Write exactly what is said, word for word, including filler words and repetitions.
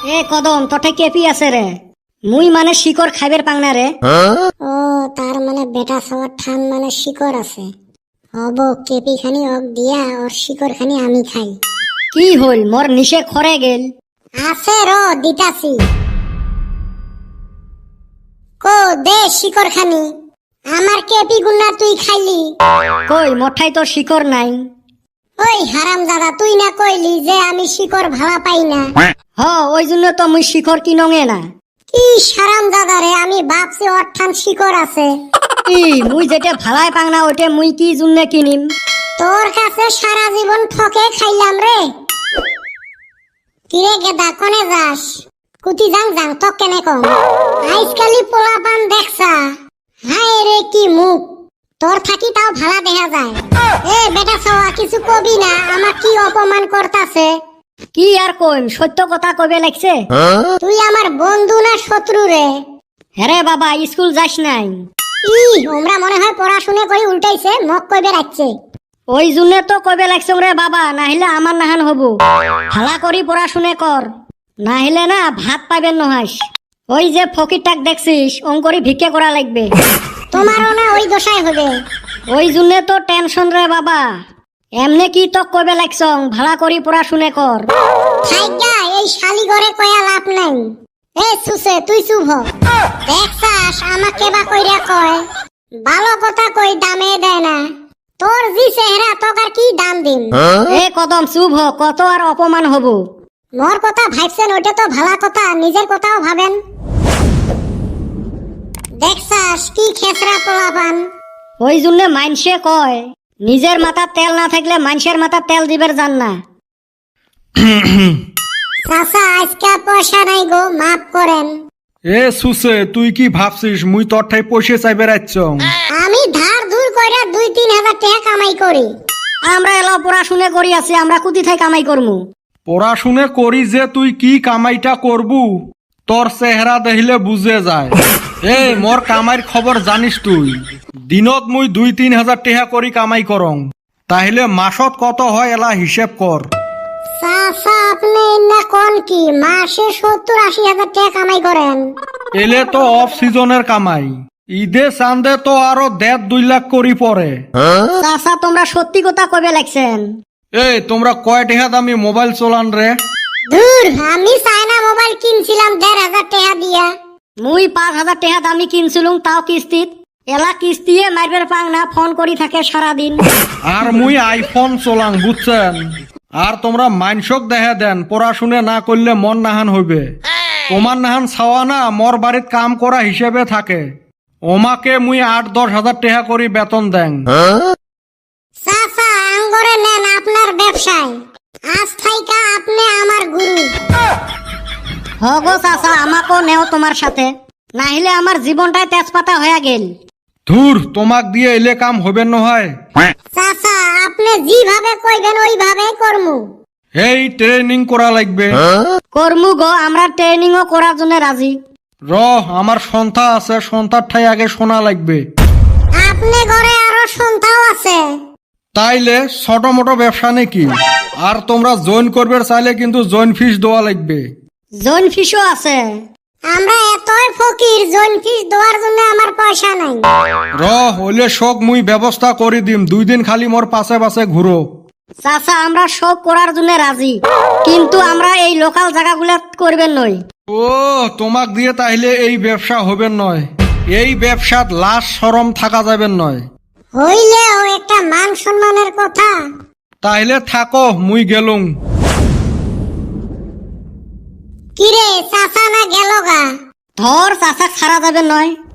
এ কদম তোঠে কেপি আছে রে, মুই মানে শিকড় খাইবের পাংনা রে। ও তার মানে বেটা সবার ঠান মানে শিকড় আছে। হব কেপি খানি অক দিয়া ওর শিকড় খানি আমি খাই। কি হল মোর নিশে খরে গেল? আছে র দিতাছি। কো দে শিকড় খানি, আমার কেপি গুন্না তুই খাইলি। কই মঠাই তো শিকড় নাই। ওই হারাম দাদা তুই না কইলি যে আমি শিকড় ভাড়া পাই না। হ ওই জন্য তো মুই শিকড় কিনঙে না। কি হারাম দাদা রে, আমি ভাবছি ওর ঠান শিকড় আছে। কি মুই যেটা ভালাই পাংনা ওইটা মুই কি জন্য কিনিম? তোর কাছে সারা জীবন ঠকে খাইলাম রে। কিরে গেদা কোনে যাস? কুতি যাং যাং তো কেনে কম। আজকালি পোলা পান দেখছা, হায় রে কি মুখ, তোর থাকি তাও ভালা দেখা যায়। এ বেটা সওয়া কিছু কবি না, আমার কি অপমান করতাছে। কি আর কইম, সত্য কথা কবে লাগছে। তুই আমার বন্ধু না শত্রু রে? হ্যাঁ বাবা স্কুল যাস নাই? ই ওমরা মনে হয় পড়াশুনে করি উল্টাইছে, মক কইবে রাখছে। ওই জন্য তো কবে লাগছে রে বাবা, নাহিলে আমার নাহান হব। ভালা করি পড়াশুনে কর, নাহিলে না ভাত পাইবেন নহাস। ওই যে ফকিরটাক দেখছিস অঙ্করি ভিক্ষে করা লাগবে। তোমারও না ওই দশাই হবে। ওই জন্য তো টেনশন রে বাবা। এমনে কি তো কবে লাগছ, ভালা করি পড়াশুনে কর। থাইগা এই শালি ঘরে কয়া লাভ নাই। এ সুসে তুই চুপ হ। দেখছাস আমাকে বা কইরা কয়, ভালো কথা কই দামে দেয় না। তোর জি চেহারা তোক আর কি দাম দিম। এ কদম চুপ হ, কত আর অপমান হব। মোর কথা ভাবছেন ওইটা তো ভালা কথা, নিজের কথাও ভাবেন। দেখছাস কি খেসরা পোলাপান। ওই জন্য মাইনসে কয় নিজের মাথার তেল না থাকলে মানুষের মাথার তেল দিবের জান না। চাচা আজকে পয়সা নাই গো, মাফ করেন। এ সুসে তুই কি ভাবছিস মুই তোর ঠাই পয়সা চাইবে রাখছ? আমি ধার ধুর কইরা দুই তিন হাজার টাকা কামাই করি। আমরা এলা পড়াশুনে করি আছি, আমরা কুতি থাই কামাই করমু। পড়াশুনে করি যে তুই কি কামাইটা করবু তোর চেহারা দেখিলে বুঝে যায়। এ মোর কামাইর খবর জানিস তুই? দিনত মুই দুই তিন হাজার টাকা করি কামাই করং, তাহলে মাসত কত হয় এলা হিসেব কর। চাচা আপনি না কোন কি মাসে সত্তর আশি হাজার টাকা কামাই করেন? এলে তো অফ সিজনের কামাই, ঈদে চান্দে তো আরো দেড় দুই লাখ করি পরে। চাচা তোমরা সত্যি কথা কবে লাগছেন? এই তোমরা কয় টাকা দামি মোবাইল চলান রে? দূর, আমি চায়না মোবাইল কিনছিলাম দেড় হাজার টাকা দিয়া। মুই পাঁচ হাজার টাকা দামি কিনছিলুম, তাও কিস্তিত। এলা কিস্তিয়ে মারবের পাং না, ফোন করি থাকে সারাদিন। আর মুই আইফোন চলাং বুঝছেন। আর তোমরা মাইনসক দেখা দেন পড়াশুনে না করলে মন নাহান হইবে। তোমার নাহান ছাওয়া না মোর বাড়িত কাম করা হিসেবে থাকে, ওমাকে মুই আট দশ হাজার টাকা করি বেতন দেন। চাচা আঙ্গরে নেন আপনার ব্যবসায়, আজ থাইকা আপনি আমার গুরু। হগো চাচা আমাকেও নেও তোমার সাথে, নাহিলে আমার জীবনটাই তেজপাতা হয়ে গেল। ধুর তোমাক দিয়ে এলে কাম হবে নহয়। চাচা আপনি যেভাবে কইবেন ওইভাবেই করমু। এই ট্রেনিং করা লাগবে। করমু গো, আমরা ট্রেনিংও করার জন্য রাজি। র আমার সন্থা আছে, সন্থার ঠাই আগে শোনা লাগবে। আপনি ঘরে আরো সন্তাও আছে। তাইলে ছোট মোটো ব্যবসা নাকি? আর তোমরা জয়েন করবে চাইলে কিন্তু জয়েন ফিস দেওয়া লাগবে। জয়েন ফিসও আছে। আমরা এতই ফকির, জয়েন ফিস দেওয়ার জন্য আমার পয়সা নাই। র হইলে শোক মুই ব্যবস্থা করে দিম, দুই দিন খালি মোর পাশে পাশে ঘুরো। চাচা আমরা সব করার জন্য রাজি, কিন্তু আমরা এই লোকাল জায়গাগুলো করবেন নই। ও তোমাক দিয়ে তাইলে এই ব্যবসা হবে নয়, এই ব্যবসাত লাশ শরম থাকা যাবে নয়। হইলেও একটা মান সম্মানের কথা। তাইলে থাকো মুই গেলুম। কিরে চাচা না গেল গা? ধর চাচা ছাড়া যাবে নয়।